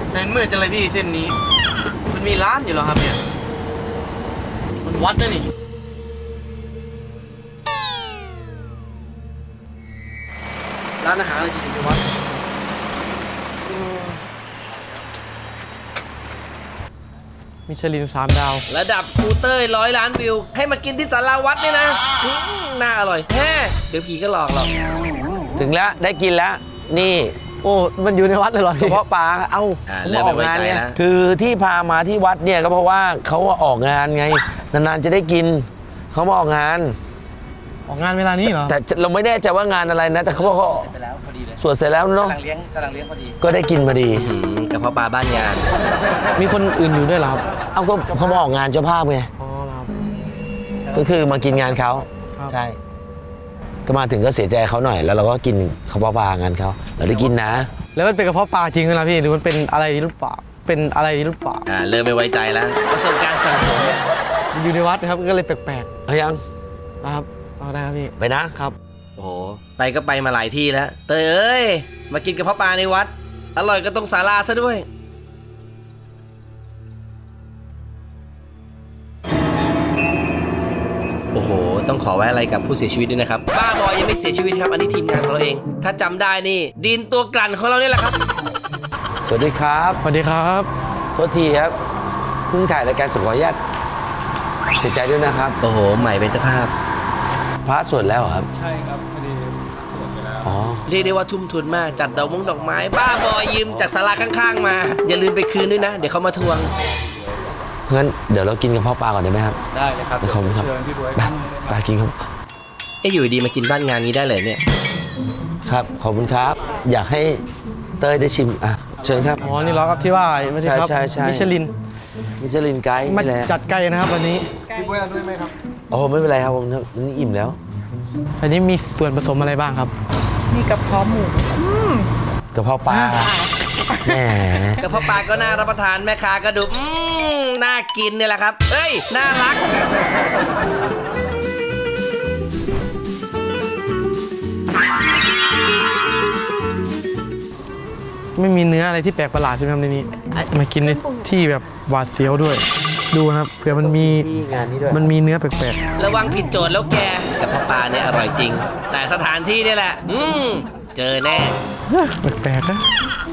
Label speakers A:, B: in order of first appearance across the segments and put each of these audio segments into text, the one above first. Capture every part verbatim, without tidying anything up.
A: เห็นมืดจังเลยพี่เส้นนี้มันมีร้านอยู่เหรอครับเนี่ยมันวัดนะนี่ร้านอาหารอะไรจริงๆวัด
B: มิชลินสามดาว
C: ระดับครูเต้ยร้อยล้านวิวให้มากินที่ศาลาวัดเนี่ยนะน่าอร่อยแฮ่เดี๋ยวผีก็หลอกหรอก
D: ถึงแล้วได้กินแล้วนี่
B: โอ้มันอยู่ในวัดเลยเหรอก
D: ระเพาะปลาเอ้า
C: เริ่ม
D: อ
C: ไม่
D: อก
C: ไว้
D: งาน
C: ใจ
D: เนี่ย
C: แล้ว
D: คือที่พามาที่วัดเนี่ยก็เพราะว่าเขาออกงานไงนานๆจะได้กินเขามาออกงาน
B: ออกงานเวลานี้เหรอ
D: แต่เราไม่แน่ใจว่างานอะไรนะแต่เขาบอกเขา
C: เสร็จไปแล้วพอดีเลย
D: สวดเสร็จแล้วเนาะ
C: กำลังเลี้ยงกำลังเลี้ยงพอดี
D: ก็ได้กินพอดี
C: กระเพาะปลาบ้านงาน
B: มีคนอื่นอยู่ด้วยเหรอครับ
D: เอาก็เขามาออกงานเจ้าภาพไง
B: อ๋อครับ
D: ก็คือมากินงานเขา
B: ครับ
D: ใช่ก็มาถึงก็เสียใจเขาหน่อยแล้วเราก็กินข้าวปลางานเขาเราได้กินนะ
B: แล้วมันเป็นกระเพาะปลาจริงไหมล่ะพี่หรือมันเป็นอะไรหรือเปล่าเป็นอะไรหรือเปล่า
C: อ่าเริ่มไม่ไว้ใจแล้วประสบการณ์สั่งสม
B: มันอยู่ในวัดนะครับก็เลยแปลก
D: เอายัง
B: ๆนะครับเอาได้ครับพี่
D: ไปนะครับ
C: โอ้โหไปก็ไปมาหลายที่แล้วเตยเอ้ยมากินกระเพาะปลาในวัดอร่อยก็ต้องศาลาซะด้วยโอ้โหต้องขอไว้อะไรกับผู้เสียชีวิตด้วยนะครับบ้าบอยยังไม่เสียชีวิตครับอันนี้ทีมงานของเราเองถ้าจำได้นี่ดินตัวกลั่นของเราเนี่ยแหละครับ
D: สวัสดีครับ
B: สวัสดีครับ
D: โทษทีครับเพิ่งถ่ายรายการสขออนุญาตเสียใจด้วยนะครับ
C: โอ้โหใหม่เป็นเจ้าภาพ
D: พระสวดแล้วเหรอครับ
E: ใช่ครับพอดีสวดไปแล้ว
D: อ๋อ
C: เรียกได้ว่าทุ่มทุนมากจัดดอกมงดอกไม้บ้าบอยยืมจากศาลาข้างๆมาอย่าลืมไปคืนด้วยนะเดี๋ยวเขามาทวง
D: งั้นเดี๋ยวเรากินกับพ่อปลาก่อนได้ไหมครับ
E: ได้เลยครับ
D: ขอบคุณครับ
E: เชิญพี่บ๊วย
D: ไปไปกินครับ
C: เอ้ยอยู่ดีมากินบ้านงานนี้ได้เลยเนี่ย
D: ครับขอบคุณครับ อยากให้เต้ยได้ชิมอ่ะเชิญครับ
B: อ๋อนี่เหรอครับที่ว่าไม่ใช่ครับ
D: ใช่ใช่ใช่
B: มิชลิน
D: มิชลินไกด์
B: มา
D: นี่แหละ
B: จัดไก่นะครับวันนี้
A: พี่บ๊วยเอาด้วยไหมครับ
D: โอ้ไม่เป็นไรครับผมนี่อิ่มแล้ว
B: อันนี้มีส่วนผสมอะไรบ้างครับ
F: มีกระเพาะหมู
D: กระเพาะปลาแหม
C: กระเพาะปลาก็น่ารับประทานแม่ค้าก็ดูอืมน่ากินเนี่ยแหละครับเอ้ยน่ารัก
B: ไม่มีเนื้ออะไรที่แปลกประหลาดใช่ไหมครับในนี้มากินในที่แบบหวาดเสียวด้วย ดูนะครับเผื่อมันมี
D: ที่งานนี้ด้วย
B: มันมีเนื้อแปลก
C: ระวังผิดโจทย์แล้วแกกระเพาะปลาเนี่ยอร่อยจริง แต่สถานที่เนี่ยแหละ อืมเจอแน่
B: ๆแปลกๆนะ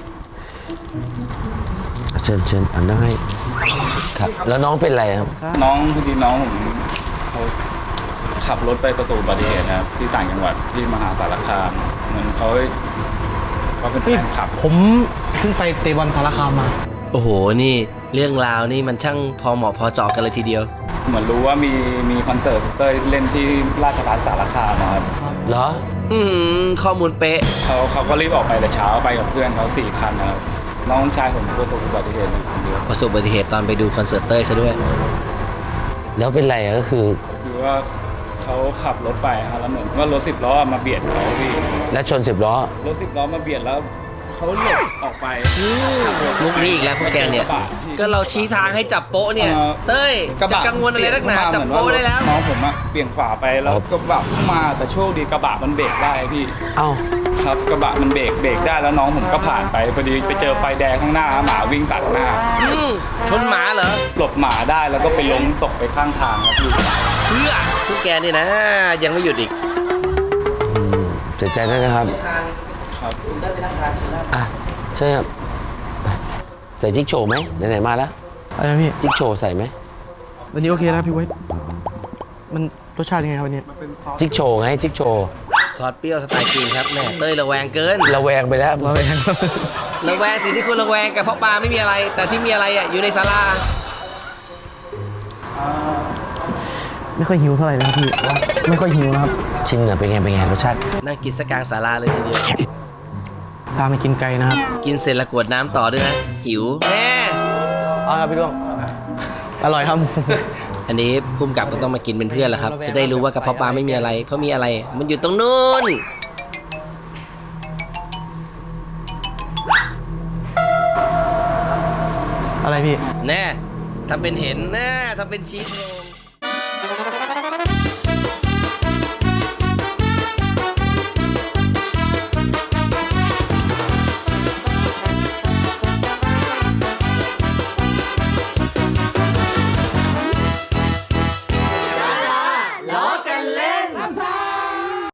D: เชิญเชิญอันนั้นให้ครับแล้วน้องเป็นอะไรครับ
E: น้องพอดีน้องผมเขาขับรถไปประสบอุบัติเหตุนะครับที่ต่างจังหวัดที่มหาสารคามเหมือนเขาเขาเป็นแฟนคลับ
B: ผมเพิ่งไปเตะบอลสารคามมา
C: โอ้โหนี่เรื่องราวนี่มันช่างพอเหมาะพอเจาะกันเลยทีเดียว
E: เหมือนรู้ว่ามีมีคอนเสิร์ตเต้ยเล่นที่ราชภัฏสารคามนะครับ
D: เหรอ
C: อืมข้อมูลเป๊ะ
E: เขาเขาก็รีบออกไปแต่เช้าไปกับเพื่อนเขาสี่คันนะครับน้องชายผมประสบอุบัติเหตุอยู่คนเดียว
C: ประสบอุบัติเหตุตอนไปดูคอนเสิร์ตเต้ยซะด้วย
D: แล้วเป็นไรอะก็คือ
E: คือว่าเขาขับรถไปครับแล้วเหมือนว่ารถสิบล้อมาเบียดเขาพี่
D: และชนสิบล้อ
E: รถสิบล้อมาเบียดแล้วเขาหลบออกไป
C: มุกนี้อีกแล้วพวกแกเนี่ย ก็เราชี้ทางให้จับโป๊ะเนี่ย
E: เอ่อ
C: เต้ย
E: กระ
C: จะ
E: บะ
C: กังวลอะไรนักหนา
E: เปลี่ย
C: จับ
E: น
C: โป๊ะได้แล้ว
E: น้องผมอะเบี่ยงขวาไปแล้วกระบะพุ่งมาแต่โชคดีกระบะมันเบรกได้พี่
D: เอ้า
E: ครับกระบะมันเบรกเบรกได้แล้วน้องผมก็ผ่านไปพอดีไปเจอไฟแดงข้างหน้าหมาวิ่งตัดหน้า
C: อืมชนหมาเหรอ
E: หลบหมาได้แล้วก็ไปล้มตกไปข้างทางครับพี่
C: เพื่อพวกแกนี่นะ ยังไม่หยุดอีก
D: อืมเสียใจด้วยนะครับ
E: ครับ
D: อ่ะใช่ครับไปใส่จิ๊กโชว์ไหมไหนๆมาแล้ว
B: อะไรนะพี่
D: จิ๊กโชว์ใส่ไหม
B: วันนี้โอเคนะพี่ไว้ยมันรสชาติยังไงครับวันนี้
D: จิ๊กโชว์ไงจิ๊กโชว์
C: ซอสเปรี้ยวสไตล์จีนครับแม่เต้ยระแวงเกิน
D: ระแวงไปแล้ว
B: เราเอง
C: ระแวงสิ่งที่คุณระแวงกับเพราะปลาไม่มีอะไร แต่ที่มีอะไรอ่ะอยู่ในศาลา
B: ไม่ค่อยหิวเท่าไหร่นะครับพี่ไม่ค่อยหิวนะครับ
D: ชิมหน่อยเป็นไงเป็นไงรสชาติ
C: นั่งกินสกกลางศาลาเลยทีเดียว
B: พามากินไก่นะครับ
C: กินเสร็จแล้วกรวดน้ำต่อด้วยนะ หิวแม่
B: เอาครับพี่ดวงอร่อยครับ
C: อันนี้ภูมิกับก็ต้องมากินเป็นเพื่อนแหละครับ จะได้รู้ว่ากระเพาะปลาไม่มีอะไร เพราะมีอะไร มันอยู่ตรงนู้น
B: อะไรพี่
C: แน่ทำเป็นเห็นแน่ทำเป็นชี้โครง